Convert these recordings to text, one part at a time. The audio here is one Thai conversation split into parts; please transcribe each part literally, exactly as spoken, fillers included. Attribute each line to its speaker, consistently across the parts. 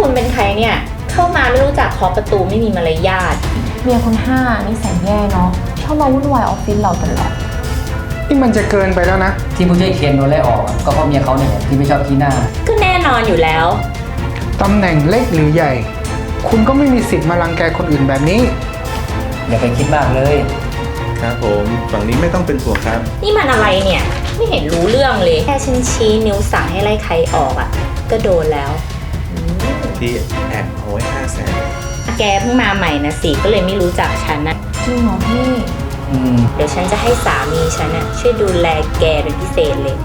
Speaker 1: คุณเป็นใครเนี่ยเข้ามาไม่รู้จักเคาะประตูไม่มีมารยาท
Speaker 2: เมียคุณห้านิสัยแย่เนาะชอบมาวุ่นวายออฟฟิศเราตลอด
Speaker 3: นี่มันจะเกินไปแล้วนะ
Speaker 4: ที่ผู้ช่วยเคนโดนไล่ออกก็เพราะเมียเขาเนี่ยที่ไม่ชอบขี้หน้า
Speaker 1: ก็แน่นอนอยู่แล้ว
Speaker 3: ตำแหน่งเล็กหรือใหญ่คุณก็ไม่มีสิทธิ์มารังแกคนอื่นแบบนี้
Speaker 4: อย่าไปคิดมากเลย
Speaker 5: ครับผมฝั่งนี้ไม่ต้องเป็นห่วงครับ
Speaker 1: นี่มันอะไรเนี่ยไม่เห็นรู้เรื่องเลยแค่ฉันชี้นิ้วสั่งให้ไล่ใครออกอ่ะก็โดนแล้ว
Speaker 5: พี่แอบเอาไว้ห้าแสน
Speaker 1: แกเพิ่งมาใหม่นะสิก็เลยไม่รู้จักฉันนะ
Speaker 2: จริงเหรอพี่
Speaker 1: เดี๋ยวฉันจะให้สามีฉันน่ะช่วยดูแลแกเป็นพิเศษเลย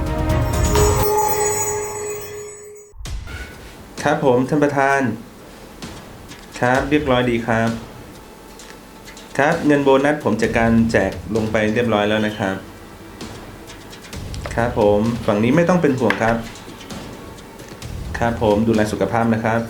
Speaker 5: ครับผมท่านประธานครับเรียบร้อยดีครับครับเงินโบนัสผมจัดการแจกลงไปเรียบร้อยแล้วนะครับครับผมฝั่งนี้ไม่ต้องเป็นห่วงครับครับผมดูแลสุขภาพนะครับ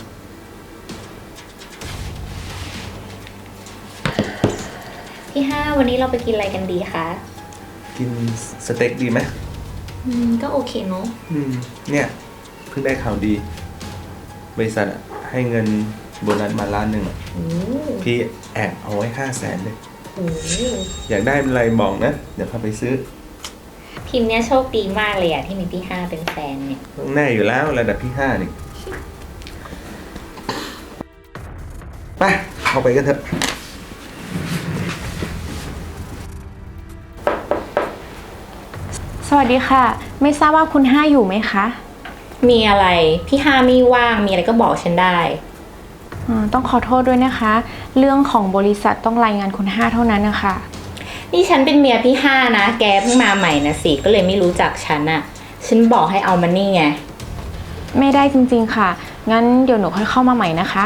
Speaker 1: พี่ห้าวันนี้เราไปกินอะไรกันดีคะ
Speaker 5: กินสเต็กดีไหม
Speaker 1: อืมก็โอเคเนาะ
Speaker 5: อืมเนี่ยเพิ่งได้ข่าวดีบริษัทให้เงินโบนัสมาล้านหนึ่งพี่แอบเอาไว้ห้าแสนเลยอยากได้อะไรบอกนะเดี๋ยวพาไปซื้อ
Speaker 1: พิมพ์เนี้ยโชคดีมากเลยอะที่มีพี่ห้าเป็นแฟนเนี่ย
Speaker 5: ต้องแน่อยู่แล้วระดับพี่ห้านี่ไปเอาไปกันเถอะ
Speaker 2: สวัสดีค่ะไม่ทราบว่าคุณห้าอยู่ไหมคะ
Speaker 1: มีอะไรพี่ห้าไม่ว่างมีอะไรก็บอกฉันได้
Speaker 2: ต้องขอโทษด้วยนะคะเรื่องของบริษัทต้องรายงานคุณห้าเท่านั้นนะคะ
Speaker 1: นี่ฉันเป็นเมียพี่ห้านะแกเพิ่งมาใหม่นะสิก็เลยไม่รู้จักฉันอะฉันบอกให้เอามานี่ไง
Speaker 2: ไม่ได้จริงๆค่ะงั้นเดี๋ยวหนูค่อยเข้ามาใหม่นะคะ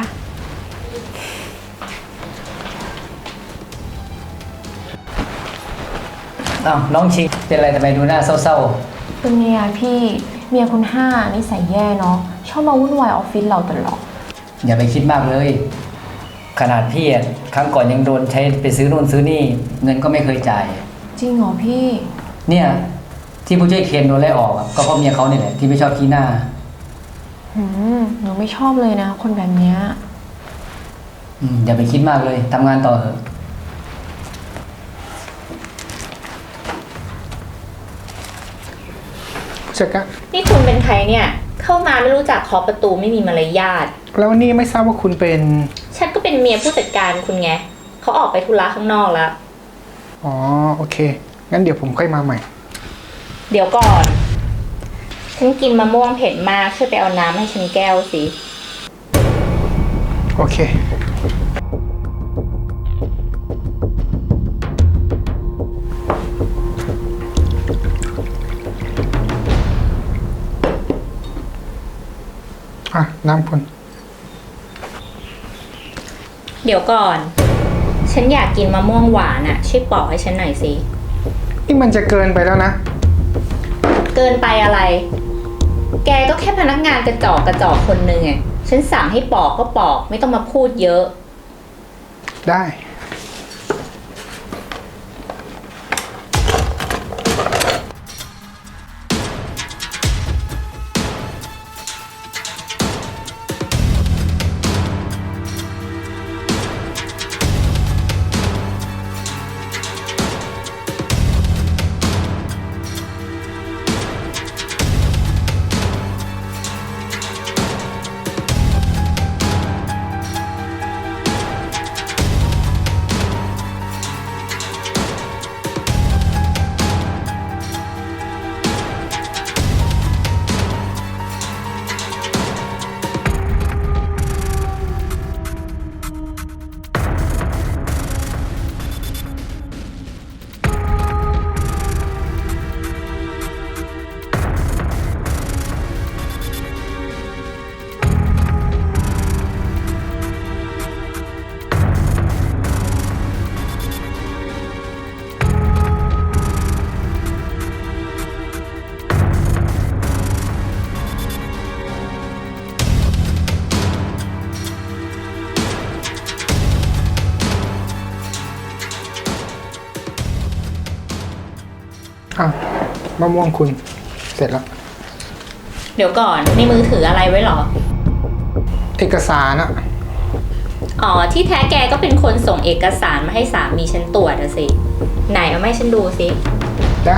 Speaker 4: อ้าวน้องชิงเป็นอะไรทำไมดูหน้าเศร้า
Speaker 2: ๆเป็นเมียพี่เมียคุณห้านิสัยแย่เนาะชอบมาวุ่นวายออฟฟิศเราตลอด
Speaker 4: อย่าไปคิดมากเลยขนาดพี่ครั้งก่อนยังโดนใช้ไปซื้อนู่นซื้อนี่เงินก็ไม่เคยจ่าย
Speaker 2: จริงเหรอพี่
Speaker 4: เนี่ยที่ผู้ช่วยเคนโดนไล่ออกก็เพราะเมียเขาเนี่ยแหละที่ไม่ชอบขี้หน้า
Speaker 2: หืมหนูไม่ชอบเลยนะคนแบบเนี้ย
Speaker 4: อืมอย่าไปคิดมากเลยทำงานต่อเถอะ
Speaker 3: จัดการ
Speaker 1: นี่คุณเป็นใครเนี่ยเข้ามาไม่รู้จักเคาะประตูไม่มีมารยาท
Speaker 3: แล้วนี่ไม่ทราบว่าคุณเป็น
Speaker 1: ฉันก็เป็นเมียผู้จัดการคุณไงเขาออกไปธุระข้างนอกแล้ว
Speaker 3: อ๋อโอเคงั้นเดี๋ยวผมค่อยมาใหม่
Speaker 1: เดี๋ยวก่อนฉันกินมะม่วงเผ็ดมากช่วยไปเอาน้ำให้ฉันแก้วสิ
Speaker 3: โอเคอ่ะน้ำคุณ
Speaker 1: เดี๋ยวก่อนฉันอยากกินมะม่วงหวานอ่ะช่วยปอกให้ฉันหน่อยสิ
Speaker 3: นี่มันจะเกินไปแล้วนะ
Speaker 1: เกินไปอะไรแกก็แค่พนักงานกระจอกกระจอกคนหนึ่งไงฉันสั่งให้ปอกก็ปอกไม่ต้องมาพูดเยอะ
Speaker 3: ได้อ่ะมะม่วงคุณเสร็จแล้ว
Speaker 1: เดี๋ยวก่อนในมือถืออะไรไว้หรอ
Speaker 3: เอเอกสารอะ
Speaker 1: อ๋อ ที่แท้แกก็เป็นคนส่งเอกสารมาให้สามีฉันตรวจอะสิ ไหนเอามาให้ฉันดูสิ
Speaker 3: ได้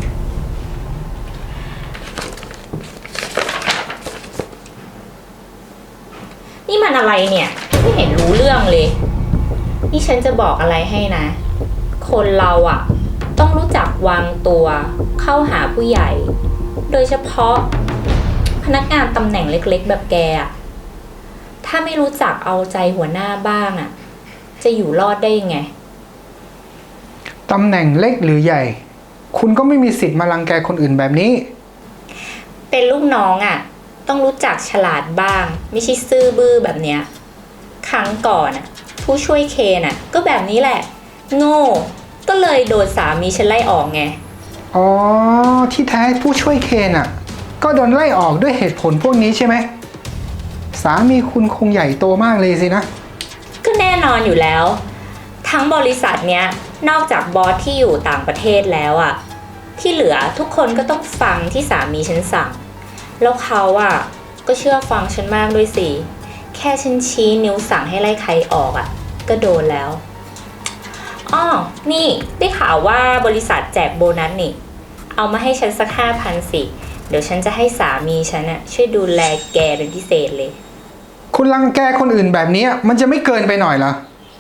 Speaker 1: นี่มันอะไรเนี่ย ไม่เห็นรู้เรื่องเลย นี่ฉันจะบอกอะไรให้นะ คนเราอะต้องรู้จักวางตัวเข้าหาผู้ใหญ่ โดยเฉพาะพนักงานตำแหน่งเล็กๆ แบบแกอะถ้าไม่รู้จักเอาใจหัวหน้าบ้างอะจะอยู่รอดได้ยังไง
Speaker 3: ตำแหน่งเล็กหรือใหญ่ คุณก็ไม่มีสิทธิ์มารังแกคนอื่นแบบนี้
Speaker 1: เป็นลูกน้องอะ่ะ ต้องรู้จักฉลาดบ้าง ไม่ใช่ซื่อบื้อแบบเนี้ย ครั้งก่อนอ่ะ ผู้ช่วยเคนอ่ะ ก็แบบนี้แหละ โง่ ก็เลยโดนสามีฉันไล่ออกไง
Speaker 3: อ๋อ ที่แท้ผู้ช่วยเคนอ่ะ ก็โดนไล่ออกด้วยเหตุผลพวกนี้ใช่ไหม สามีคุณคงใหญ่โตมากเลยสินะ
Speaker 1: ก็แน่นอนอยู่แล้ว ทั้งบริษัทเนี้ย นอกจากบอสที่อยู่ต่างประเทศแล้วอ่ะ ที่เหลือทุกคนก็ต้องฟังที่สามีฉันสั่ง แล้วเขาอ่ะก็เชื่อฟังฉันมากด้วยสิ แค่ฉันชี้นิ้วสั่งให้ไล่ใครออกอ่ะ ก็โดนแล้วอ้อนี่ได้ข่าวว่าบริษัทแจกโบนัสนี่ เอามาให้ฉันสักห้าพันสิ เดี๋ยวฉันจะให้สามีฉันอ่ะช่วยดูแลแกเป็นพิเศษเลย
Speaker 3: คุณรังแกคนอื่นแบบนี้มันจะไม่เกินไปหน่อยเหรอ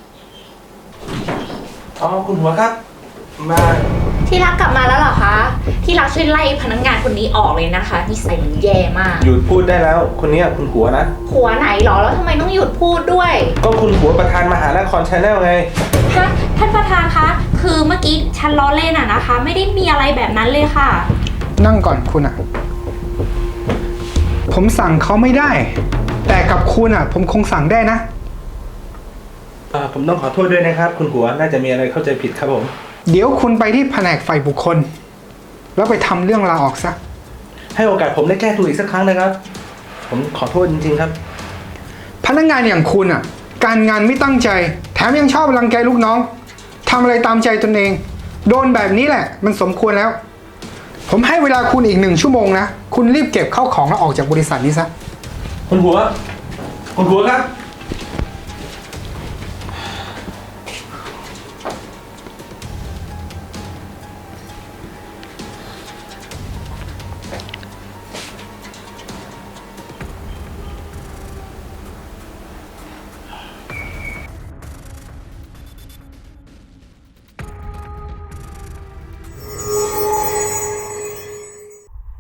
Speaker 5: อ๋อคุณหัวครับ มา
Speaker 1: ที่รักกลับมาแล้วเหรอคะ ที่รักช่วยไล่พนักงานคนนี้ออกเลยนะคะนิสัยมันแย่มาก
Speaker 5: หยุดพูดได้แล้ว คนเนี้ยคุณหัวนะ
Speaker 1: หัวไหนหรอแล้วทำไมต้องหยุดพูดด้วย
Speaker 5: ก็คุณหัวประธานมหานครชาแนลไง
Speaker 1: ฮะท่านประธานคะ คือเมื่อกี้ฉันล้อเล่นอะนะคะ ไม่ได้มีอะไรแบบนั้นเลยค่ะ
Speaker 3: นั่งก่อนคุณอ่ะ ผมสั่งเขาไม่ได้ แต่กับคุณอ่ะ ผมคงสั่งได้นะ
Speaker 5: อ่าผมต้องขอโทษด้วยนะครับ คุณหัวน่าจะมีอะไรเข้าใจผิดครับผม
Speaker 3: เดี๋ยวคุณไปที่แผนกฝ่ายบุคคล แล้วไปทำเรื่องลาออกซะ
Speaker 5: ให้โอกาสผมได้แก้ตัวอีกสักครั้งนะครับ ผมขอโทษจริงๆครับ
Speaker 3: พนักงานอย่างคุณอ่ะ การงานไม่ตั้งใจ แถมยังชอบรังแกลูกน้องทำอะไรตามใจตนเอง โดนแบบนี้แหละ มันสมควรแล้ว ผมให้เวลาคุณอีกหนึ่งชั่วโมงนะ คุณรีบเก็บเข้าของแล้วออกจากบริษัทนี้ซะ
Speaker 5: คุณหัว คุณหัวครับ